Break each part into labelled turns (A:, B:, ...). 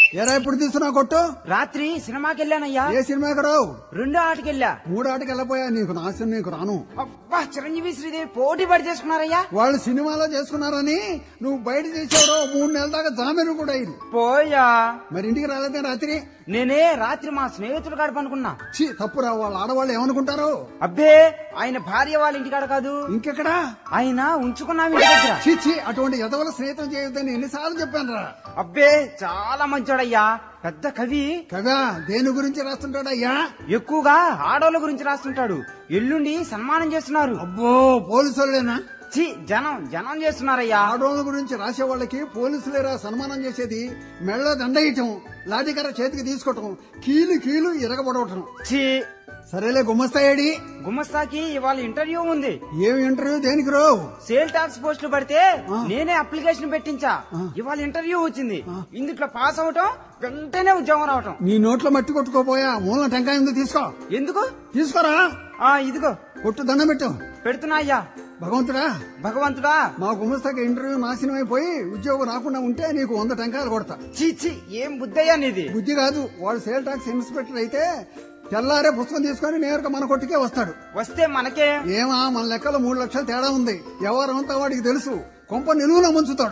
A: ఎరా ఇప్పుడు తీసుకున్నా కొట్టు?
B: రాత్రి సినిమాకి వెళ్ళానయ్యా.
A: ఏ సినిమాకి రావు?
B: 2 ఆటకెళ్ళా.
A: 3 ఆటకి వెళ్ళపోయా, నీకు నాశనం, నీకు రాను.
B: అబ్బా, చిరంజీవి శ్రీదేవి పోటీ పడి చేసుకున్నారయ్యా.
A: వాళ్ళు సినిమాలో చేసుకున్నారని నువ్వు బయట చేసావు. 3 నెలల దాకా జామీను కూడా అయింది.
B: పోయా.
A: మరి ఇంటికి రాలేదే రాత్రి?
B: నేనే రాత్రి మా స్నేహితులు కాడ పనుకున్నా.
A: తప్పురా, వాళ్ళ ఆడవాళ్ళు ఏమనుకుంటారు?
B: అబ్బే, ఆయన భార్య వాళ్ళ ఇంటికాడ కాదు.
A: ఇంకెక్కడా?
B: ఆయన ఉంచుకున్నాం ఇంటి దగ్గర.
A: చీచి, అటువంటి ఎదవల స్నేహితం చేయొద్దని ఎన్నిసార్లు చెప్పాను రా.
B: అబ్బే, చాలా మంచోడయ్యా, పెద్ద కవి.
A: కదా, దేని గురించి రాస్తుంటాడయ్యా?
B: ఎక్కువగా ఆడవాళ్ళ గురించి రాస్తుంటాడు. ఎల్లుండి సన్మానం చేస్తున్నారు.
A: అబ్బో, పోలీసులేనా?
B: జనం చేస్తున్నారయ్యా.
A: ఆడవాళ్ళ గురించి రాసే వాళ్ళకి పోలీసులేరా సన్మానం చేసేది? మెళ్ళ దండయటం, లాఠీకర్ర చేతికి తీసుకోవటం, కీలు ఇరగబడవటం. సరేలే, గుమ్మస్తాయేడి?
B: గుమ్మస్తాకి ఇవాళ ఇంటర్వ్యూ ఉంది.
A: ఏం ఇంటర్వ్యూ? దేనికి రావు?
B: సేల్ టాక్స్ పోస్టులు పడితే నేనే అప్లికేషన్ పెట్టించా. ఇవాళ ఇంటర్వ్యూ వచ్చింది. ఇందులో పాస్ అవటం, వెంటనే ఉద్యోగం రావటం.
A: నీ నోట్లో మట్టి కొట్టుకోపోయా, మూల టెంకాయ ఉంది, తీసుకో.
B: ఎందుకు?
A: తీసుకోరా.
B: ఇదిగో
A: కొట్టు, దండం పెట్టు.
B: పెడుతున్నా అయ్యా. భగవంతుడా,
A: మా గుమస్తాకి ఇంటర్వ్యూ నాశనం అయిపోయి ఉద్యోగం రాకుండా ఉంటే నీకు 100 టెంకాయలు కొడతా.
B: చీచి, ఏం బుద్ధయ్యా నీది?
A: బుద్ధి కాదు, వాడు సేల్ టాక్స్ ఇన్స్పెక్టర్ అయితే తెల్లారే పుస్తకం తీసుకుని నేరుగా మన కొట్టుకే వస్తాడు.
B: వస్తే మనకే
A: ఏమా, మన లెక్కలో 3 లక్షలు తేడా ఉంది. ఎవరంతా వాడికి తెలుసు. కొంప నిలువున ముంచుతాడు.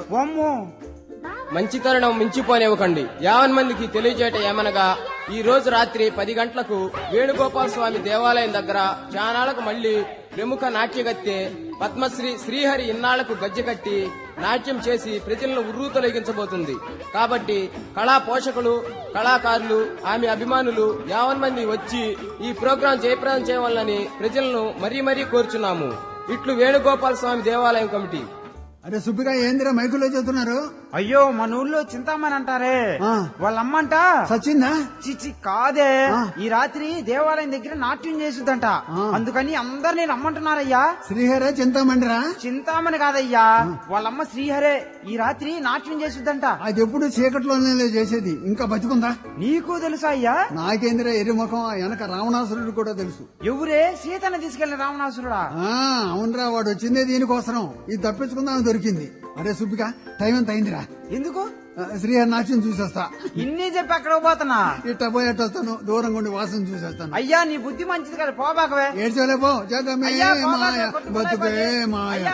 C: మంచి తరుణం మించిపోనివ్వకండి. 50 మందికి తెలియజేయట ఏమనగా, ఈ రోజు రాత్రి 10 గంటలకు వేణుగోపాల స్వామి దేవాలయం దగ్గర చానాళ్లకు మళ్లీ ప్రముఖ నాట్యగత్తె పద్మశ్రీ శ్రీహరి ఇన్నాళ్లకు గజ్జె కట్టి నాట్యం చేసి ప్రజలను ఉర్రూతొలగించబోతుంది. కాబట్టి కళా పోషకులు, కళాకారులు, ఆమె అభిమానులు 50 మంది వచ్చి ఈ ప్రోగ్రాం జయప్రదం చేయవాలని ప్రజలను మరీ కోరుచున్నాము. ఇట్లు వేణుగోపాల స్వామి దేవాలయం కమిటీ.
A: అరే సుబ్బిగా, ఏందిరా మైకులో చెబుతున్నారు?
B: అయ్యో, మన ఊళ్ళో చింతామణి అంటారే, వాళ్ళమ్మంట
A: సచిందా?
B: చిచి కాదే, ఈ రాత్రి దేవాలయం దగ్గర నాట్యం చేసిద్దంట. అందుకని అందరినీ రమ్మంటున్నారయ్యా.
A: శ్రీహరే చింతామణిరా?
B: చింతామణి కాదయ్యా, వాళ్ళమ్మ శ్రీహరే ఈ రాత్రి నాట్యం చేసిద్దంట.
A: అది ఎప్పుడు చీకట్లోనే చేసేది, ఇంకా బతుకుందా?
B: నీకు తెలుసా అయ్యా?
A: నాకేందిరా ఎర్రిముఖం, వెనక రావణాసురుడు కూడా తెలుసు.
B: ఎవరే? సీతను తీసుకెళ్లిన రావణాసురుడా?
A: అవునరా, వాడు వచ్చిందే దీనికోసం. ఇది తప్పించుకుందాం దొరికింది. అరే సుబ్బిగా, టైం ఎంత అయిందిరా?
B: ఎందుకు?
A: శ్రీహరి నాట్యం చూసేస్తా.
B: ఇన్ని చెప్పి అక్కడ పోతున్నా?
A: ఇట్ట పోయేటొస్తాను, దూరంగా ఉండి వాసన చూసేస్తాను.
B: అయ్యా, నీ బుద్ధి మంచిది కదా, పోబాకవే.
A: ఏడ్చలేపో, జగమే మాయ బతుకే మాయ.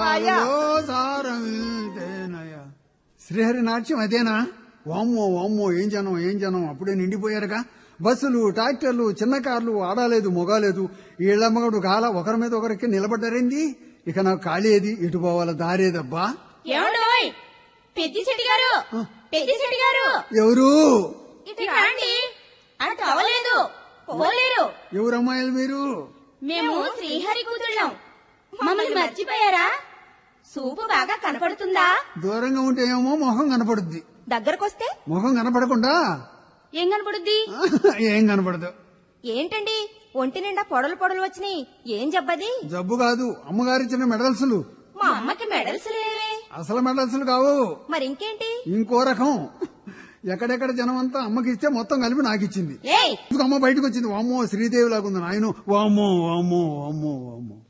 A: శ్రీహరి నాట్యం అదేనా? వామ్మో, ఏం జనం అప్పుడే నిండిపోయారుగా. బస్సులు, ట్రాక్టర్లు, చిన్న కార్లు, ఆడాలేదు మొగాలేదు. ఈళ్లమ్మగడు గాల ఒకరి మీద ఒకరికి నిలబడ్డారేంది? ఇక నాకు ఖాళీ ఏది, ఇటు పోవాల దారేదబ్బా. ఎవరు? ఎవరమ్మాయిలు మీరు?
D: మేము శ్రీహరి కూతుళ్ళం. మమ్మల్ని మర్చిపోయారా? సూపు బాగా కనపడుతుందా?
A: దూరంగా ఉంటే ఏమో మొహం కనపడుద్ది,
D: దగ్గరకొస్తే
A: మొహం కనపడకుండా
D: ఏం కనపడుద్ది?
A: ఏం కనపడదు.
D: ఏంటండి, ఒంటి నిండా పొడలు వచ్చినాయి, ఏం జబ్బది?
A: జబ్బు కాదు, అమ్మగారిచ్చిన మెడల్స్లు.
D: మా అమ్మకి మెడల్స్ లేవే.
A: అసలు మెడల్స్లు కావు,
D: మరింకేంటి?
A: ఇంకో రకం. ఎక్కడెక్కడ జనం అంతా అమ్మకి ఇస్తే మొత్తం కలిపి నాకిచ్చింది. అమ్మ బయటకు వచ్చింది. వామ్మో, శ్రీదేవి లాగుంది నాయను. వామ్మో.